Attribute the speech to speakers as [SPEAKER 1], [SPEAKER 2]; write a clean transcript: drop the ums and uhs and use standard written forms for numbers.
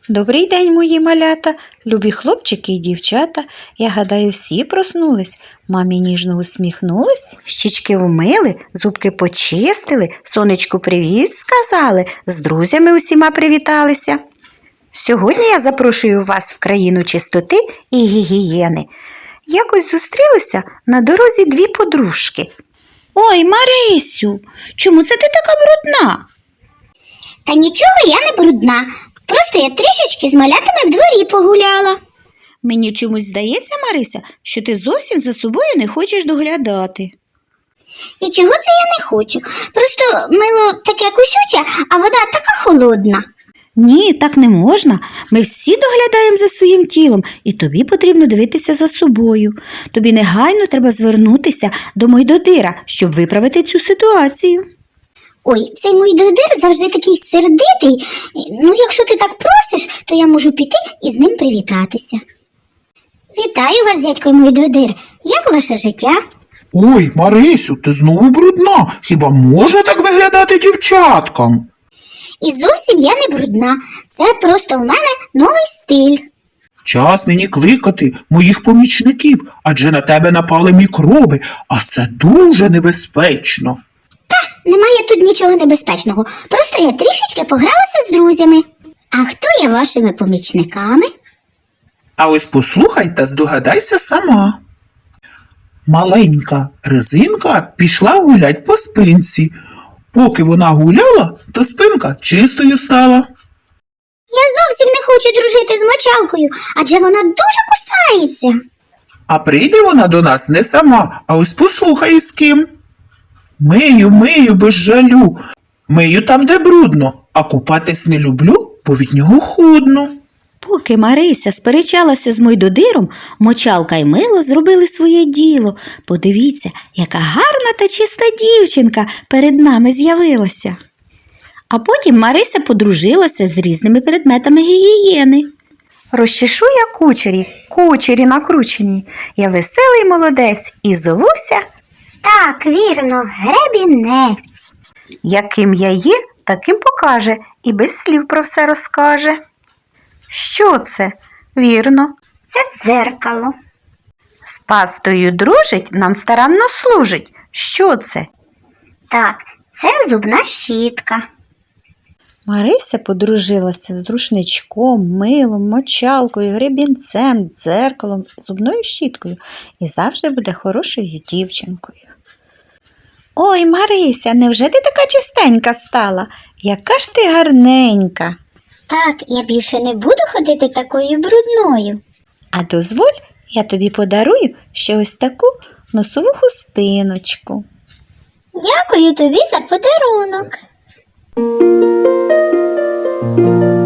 [SPEAKER 1] Добрий день, мої малята, любі хлопчики і дівчата. Я гадаю, всі проснулись. Мамі ніжно усміхнулись, щічки вмили, зубки почистили, сонечку привіт сказали, з друзями усіма привіталися. Сьогодні я запрошую вас в країну чистоти і гігієни. Якось зустрілися на дорозі дві подружки. Ой, Марисю, чому це ти така брудна?
[SPEAKER 2] Та нічого я не брудна, просто я трішечки з малятами в дворі погуляла.
[SPEAKER 1] Мені чомусь здається, Марися, що ти зовсім за собою не хочеш доглядати.
[SPEAKER 2] І чого це я не хочу? Просто мило таке кусюче, а вода така холодна.
[SPEAKER 1] Ні, так не можна. Ми всі доглядаємо за своїм тілом, і тобі потрібно дивитися за собою. Тобі негайно треба звернутися до Мойдодира, щоб виправити цю ситуацію.
[SPEAKER 2] Ой, цей Мойдодир завжди такий сердитий. Ну, якщо ти так просиш, то я можу піти і з ним привітатися. Вітаю вас, дядько Мойдодир. Як ваше життя?
[SPEAKER 3] Ой, Марисю, ти знову брудна. Хіба може так виглядати дівчаткам?
[SPEAKER 2] І зовсім я не брудна. Це просто в мене новий стиль.
[SPEAKER 3] Час нині кликати моїх помічників, адже на тебе напали мікроби, а це дуже небезпечно.
[SPEAKER 2] Немає тут нічого небезпечного. Просто я трішечки погралася з друзями. А хто є вашими помічниками?
[SPEAKER 3] А ось послухай та здогадайся сама. Маленька резинка пішла гулять по спинці. Поки вона гуляла, то спинка чистою стала.
[SPEAKER 2] Я зовсім не хочу дружити з мочалкою, адже вона дуже кусається.
[SPEAKER 3] А прийде вона до нас не сама, а ось послухай з ким. Мию без жалю. Мию там, де брудно, а купатись не люблю, бо від нього худно.
[SPEAKER 1] Поки Марися сперечалася з Мойдодиром, мочалка й мило зробили своє діло. Подивіться, яка гарна та чиста дівчинка перед нами з'явилася. А потім Марися подружилася з різними предметами гігієни. Розчешу я кучері накручені. Я веселий молодець і зовуся.
[SPEAKER 2] Так, вірно, гребінець.
[SPEAKER 1] Яким я є, таким покаже і без слів про все розкаже. Що це? Вірно.
[SPEAKER 2] Це дзеркало.
[SPEAKER 1] З пастою дружить, нам старанно служить. Що це?
[SPEAKER 2] Так, це зубна щітка.
[SPEAKER 1] Марися подружилася з рушничком, милом, мочалкою, гребінцем, дзеркалом, зубною щіткою і завжди буде хорошою дівчинкою. Ой, Марися, невже ти така чистенька стала? Яка ж ти гарненька!
[SPEAKER 2] Так, я більше не буду ходити такою брудною.
[SPEAKER 1] А дозволь, я тобі подарую ще ось таку носову хустиночку.
[SPEAKER 2] Дякую тобі за подарунок.